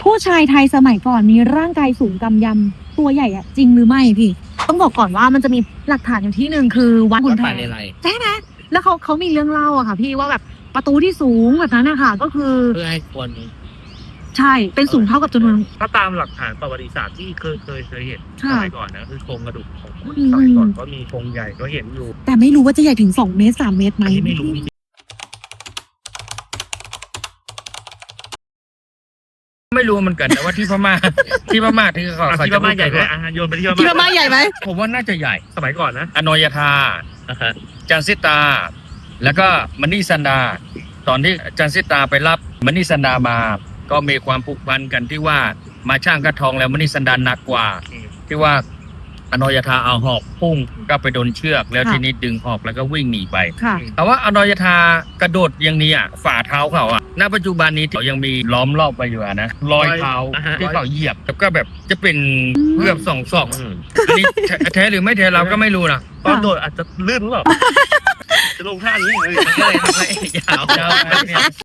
ผู้ชายไทยสมัยก่อนมีร่างกายสูงกำยำตัวใหญ่อะจริงหรือไม่พี่ ต้องบอกก่อนว่ามันจะมีหลักฐานอยู่ที่หนึ่งคือวัดขุนแผนใช่ไหมแล้วเขามีเรื่องเล่าอะค่ะพี่ว่าแบบประตูที่สูงแบบนั้นนะคะก็คือเพื่อให้คนใช่เป็นสูงเท่ากับจำนวนถ้าตามหลักฐานประวัติศาสตร์ที่เคยเห็นสค่ะมัยก่อนนะคือโครงกระดูกของอืมสมัยก่อนก็มีโครงใหญ่ก็เห็นอยู่แต่ไม่รู้ว่าจะใหญ่ถึง2 เมตร 3 เมตรไหมอันนี้ไม่รู้ไม่รู้เหมือนกันแต่ว่าที่พม่า ที่พม่าที่เขาที่พม่าใหญ่ไหมโยนไปที่ที่พพม่าม่าใหญ่ไหมผมว่าน่าจะใหญ่สมัยก่อนนะอนอยธาจันซิตา แล้วก็มณีสันดา ตอนที่จันซิตาไปรับมณีสันดามา ก็มีความผูกพันกันที่ว่ามาช่างกระทองแล้วมณีสันดาหนักกว่า ที่ว่าอนอยธาเอาหอกพุ่งก็ไปโดนเชือกแล้วทีนี้ดึงหอกแล้วก็วิ่งหนีไปค่ะแต่ว่าอนอยธากระโดดอย่างนี้อ่ะฝ่าเท้าเขาอ่ะณปัจจุบันนี้เขายังมีล้อมรอบไปอยู่อะนะรอยเท้าที่เขาเหยียบแล้วก็แบบจะเป็นเกือบ2 ศอกอันนี้แท้หรือไม่แท้เราก็ไม่รู้นะตอนโดดอาจจะลื่นหรือเปล่า จะลงท่านี้เลยยาว